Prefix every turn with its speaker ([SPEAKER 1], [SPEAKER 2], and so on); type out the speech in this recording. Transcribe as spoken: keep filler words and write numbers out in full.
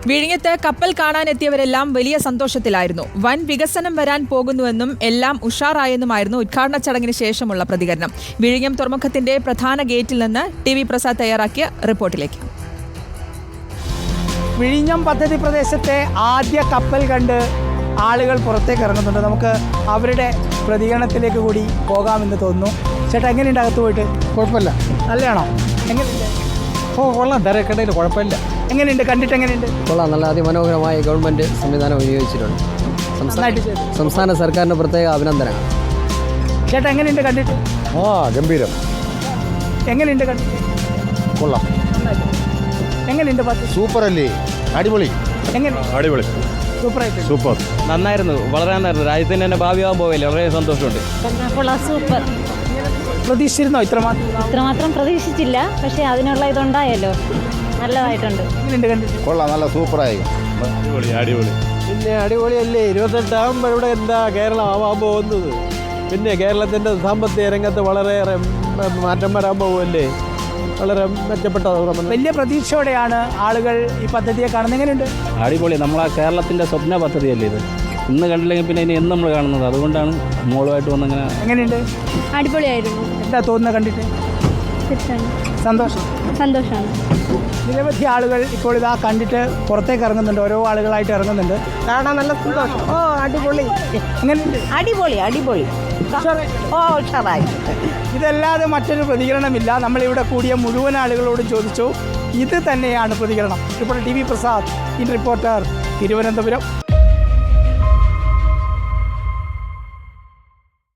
[SPEAKER 1] വിഴിഞ്ഞത്ത് കപ്പൽ കാണാനെത്തിയവരെല്ലാം വലിയ സന്തോഷത്തിലായിരുന്നു. വൻ വികസനം വരാൻ പോകുന്നുവെന്നും എല്ലാം ഉഷാറായെന്നുമായിരുന്നു ഉദ്ഘാടന ചടങ്ങിന് ശേഷമുള്ള പ്രതികരണം. വിഴിഞ്ഞം തുറമുഖത്തിന്റെ പ്രധാന ഗേറ്റിൽ നിന്ന് ടി വി പ്രസാദ് തയ്യാറാക്കിയ റിപ്പോർട്ടിലേക്ക്.
[SPEAKER 2] വിഴിഞ്ഞം പദ്ധതി പ്രദേശത്തെ ആദ്യ കപ്പൽ കണ്ട് ആളുകൾ പുറത്തേക്ക് ഇറങ്ങുന്നുണ്ട്. നമുക്ക് അവരുടെ പ്രതികരണത്തിലേക്ക് കൂടി പോകാമെന്ന് തോന്നുന്നു. ചേട്ടാ, എങ്ങനെയുണ്ട് അകത്ത് പോയിട്ട്?
[SPEAKER 3] കുഴപ്പമില്ല.
[SPEAKER 2] നല്ലതാണോ? എങ്ങനെയുണ്ട്?
[SPEAKER 3] ഓ കൊള്ളാം, തിരക്കടയിൽ കുഴപ്പമില്ല.
[SPEAKER 2] എങ്ങനെയുണ്ട്? കണ്ടിട്ട് എങ്ങനെയുണ്ട്?
[SPEAKER 4] കൊള്ളാം. നല്ല അതിമനോഹരമായ ഗവൺമെൻറ് സംവിധാനം വിനിയോഗിച്ചിട്ടുണ്ട്. സംസ്ഥാന സർക്കാരിന് പ്രത്യേക അഭിനന്ദനങ്ങൾ.
[SPEAKER 2] ചേട്ടാ, എങ്ങനെയുണ്ട് കണ്ടിട്ട്?
[SPEAKER 3] ആ ഗംഭീരം.
[SPEAKER 2] എങ്ങനെയുണ്ട് കണ്ടിട്ട്?
[SPEAKER 3] കൊള്ളാം.
[SPEAKER 2] എങ്ങനെയുണ്ട് പത്ത്?
[SPEAKER 3] സൂപ്പർ അല്ലേ? അടിപൊളി.
[SPEAKER 2] എങ്ങനെ?
[SPEAKER 3] അടിപൊളി.
[SPEAKER 2] സൂപ്പറായിട്ട്.
[SPEAKER 3] സൂപ്പർ.
[SPEAKER 5] നന്നായിരുന്നു, വളരെ നന്നായിരുന്നു. രാജ്യത്തിന് തന്നെ ഭാവിയാകാൻ പോവില്ല. വളരെ സന്തോഷമുണ്ട്.
[SPEAKER 6] സൂപ്പർ.
[SPEAKER 2] പ്രതീക്ഷിച്ചിരുന്നോ ഇത്രമാത്രം?
[SPEAKER 6] ഇത്രമാത്രം പ്രതീക്ഷിച്ചില്ല, പക്ഷേ അതിനുള്ള ഇതുണ്ടായല്ലോ, നല്ലതായിട്ടുണ്ട്.
[SPEAKER 2] എങ്ങനെയുണ്ട് കണ്ടിട്ട്?
[SPEAKER 3] കൊള്ളാം, നല്ല സൂപ്പറായി. അടിപൊളി അടിപൊളി.
[SPEAKER 7] പിന്നെ അടിപൊളിയല്ലേ? ഇരുപത്തെട്ടാകുമ്പോൾ ഇവിടെ എന്താ കേരളം ആവാൻ പോകുന്നത്? പിന്നെ കേരളത്തിൻ്റെ സാമ്പത്തിക രംഗത്ത് വളരെയേറെ മാറ്റം വരാൻ പോകുമല്ലേ? വളരെ മെച്ചപ്പെട്ട
[SPEAKER 2] വലിയ പ്രതീക്ഷയോടെയാണ് ആളുകൾ ഈ പദ്ധതിയെ കാണുന്നത്. എങ്ങനെയുണ്ട്?
[SPEAKER 5] അടിപൊളി. നമ്മളാ കേരളത്തിൻ്റെ സ്വപ്ന പദ്ധതിയല്ലേ ഇത്. ഇന്ന് കണ്ടില്ലെങ്കിൽ പിന്നെ ഇനി എന്ന് നമ്മൾ കാണുന്നത്. അതുകൊണ്ടാണ് മോളുമായിട്ട് വന്നിങ്ങനെ.
[SPEAKER 2] എങ്ങനെയുണ്ട്?
[SPEAKER 6] അടിപൊളിയായിരുന്നു.
[SPEAKER 2] എന്താ തോന്നുന്നത് കണ്ടിട്ട്? സന്തോഷം.
[SPEAKER 6] സന്തോഷമാണ്.
[SPEAKER 2] നിരവധി ആളുകൾ ഇപ്പോൾ ഇതാ കണ്ടിട്ട് പുറത്തേക്ക് ഇറങ്ങുന്നുണ്ട്. ഓരോ ആളുകളായിട്ട് ഇറങ്ങുന്നുണ്ട്. കാണാൻ നല്ല സന്തോഷം. ഓ അടിപൊളി. എങ്ങനെയുണ്ട്?
[SPEAKER 6] അടിപൊളി അടിപൊളി ഓ ഉഷാറായി.
[SPEAKER 2] ഇതല്ലാതെ മറ്റൊരു പ്രതികരണമില്ല. നമ്മളിവിടെ കൂടിയ മുഴുവൻ ആളുകളോടും ചോദിച്ചു, ഇത് തന്നെയാണ് പ്രതികരണം. ഇപ്പോൾ T V Prasad, in Reporter, Thiruvananthapuram.